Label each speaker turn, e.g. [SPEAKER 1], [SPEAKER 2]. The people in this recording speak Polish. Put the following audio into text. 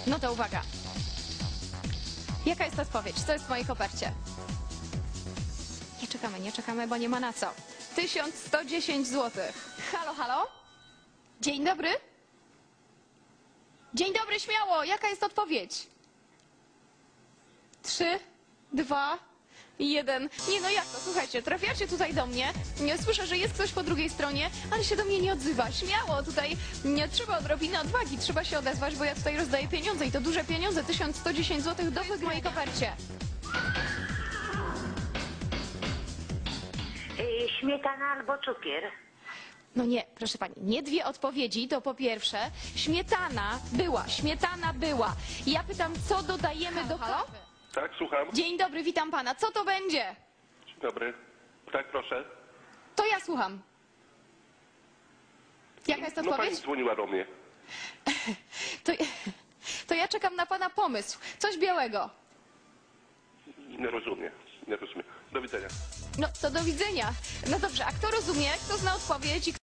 [SPEAKER 1] No to uwaga. Jaka jest odpowiedź? Co jest w mojej kopercie? Nie czekamy, bo nie ma na co. 1110 zł. Halo, halo? Dzień dobry? Dzień dobry, śmiało. Jaka jest odpowiedź? 3, 2, 1. Nie, no jak to? Słuchajcie, trafiacie tutaj do mnie. Słyszę, że jest ktoś po drugiej stronie, ale się do mnie nie odzywa. Śmiało, tutaj nie trzeba odrobiny odwagi, trzeba się odezwać, bo ja tutaj rozdaję pieniądze i to duże pieniądze. 1110 zł do wygrania w mojej kopercie.
[SPEAKER 2] Śmietana albo cukier?
[SPEAKER 1] No nie, proszę pani, nie dwie odpowiedzi, to po pierwsze, śmietana była. Ja pytam, co dodajemy do kawy?
[SPEAKER 3] Tak, słucham.
[SPEAKER 1] Dzień dobry, witam pana. Co to będzie?
[SPEAKER 3] Dzień dobry. Tak, proszę.
[SPEAKER 1] To ja słucham. Jaka jest
[SPEAKER 3] No pani
[SPEAKER 1] odpowiedź?
[SPEAKER 3] dzwoniła do mnie.
[SPEAKER 1] To ja czekam na pana pomysł. Coś białego.
[SPEAKER 3] Nie rozumiem. Nie rozumiem. Do widzenia.
[SPEAKER 1] No, to do widzenia. No dobrze, a kto rozumie, kto zna odpowiedź?